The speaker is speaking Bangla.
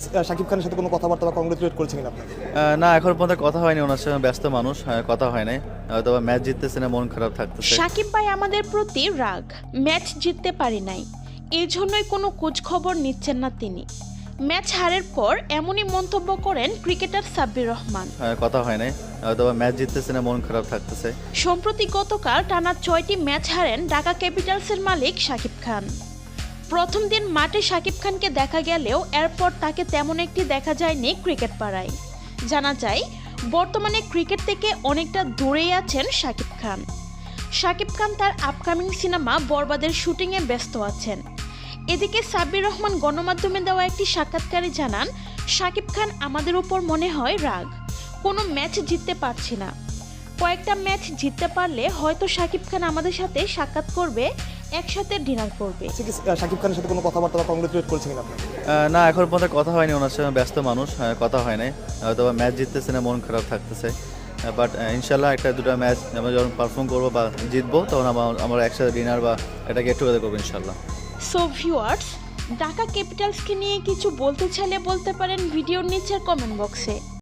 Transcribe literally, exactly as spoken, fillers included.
শাকিব খানের সাথে কোনো কথাবার্তা বা কংগ্রেচুলেট করেছেন কিনা আপনাকে? আহ, না এখন পর্যন্ত কথা হয়নি ওনার সাথে, ব্যস্ত মানুষ, হ্যাঁ, কথা হয় নাই। হয়তো ম্যাচ জিততেছে না, মন খারাপ থাকতেছে। সাকিব ভাই আমাদের প্রতি রাগ, ম্যাচ জিততে পারি নাই, এই জন্যই কোনো খোঁজ খবর নিচ্ছেন না তিনি। ম্যাচ হারের পর এমনই মন্তব্য করেন ক্রিকেটার সাব্বির রহমান। হ্যাঁ, কথা হয় নাই। হয়তো ম্যাচ জিততেছে না, মন খারাপ থাকতেছে। সম্প্রতি গতকাল টানা ছয়টি ম্যাচ হারেন ঢাকা ক্যাপিটালসের মালিক শাকিব খান। প্রথম দিন মাঠে শাকিব খানকে দেখা গেলেও এরপর তাকে তেমন একটি দেখা যায়নি ক্রিকেট পাড়ায়। জানা যায় বর্তমানে ক্রিকেট থেকে অনেকটা দূরেই আছেন শাকিব খান। শাকিব খান তার আপকামিং সিনেমা বরবাদের শুটিংয়ে ব্যস্ত আছেন। এদিকে সাব্বির রহমান গণমাধ্যমে দেওয়া একটি সাক্ষাৎকারে জানান, শাকিব খান আমাদের উপর মনে হয় রাগ, কোনো ম্যাচ জিততে পারছি না। কয়েকটা ম্যাচ জিততে পারলে হয়তো শাকিব খান আমাদের সাথে সাক্ষাৎ করবে, একসাথে ডিনার করবে। শাকিব খানের সাথে কোনো কথাবার্তা বা কংগ্রেচুলেট করেছেন কিনা আপনাকে? আহ, না এখন পর্যন্ত কথা হয়নি ওনার সাথে, ব্যস্ত মানুষ, হ্যাঁ, কথা হয় নাই। হয়তো ম্যাচ জিততেছে না, মন খারাপ থাকতেছে। বাট ইনশাল্লাহ একটা দুটো ম্যাচ আমরা যখন পারফর্ম করবো বা জিতবো, তখন আমার- আমরা একসাথে ডিনার বা এটা গেট টুগেদার করবো ইনশাল্লাহ। সো ভিউয়ার্স, ঢাকা ক্যাপিটালসকে নিয়ে কিছু বলতে চাইলে বলতে পারেন ভিডিওর নিচের কমেন্ট বক্সে।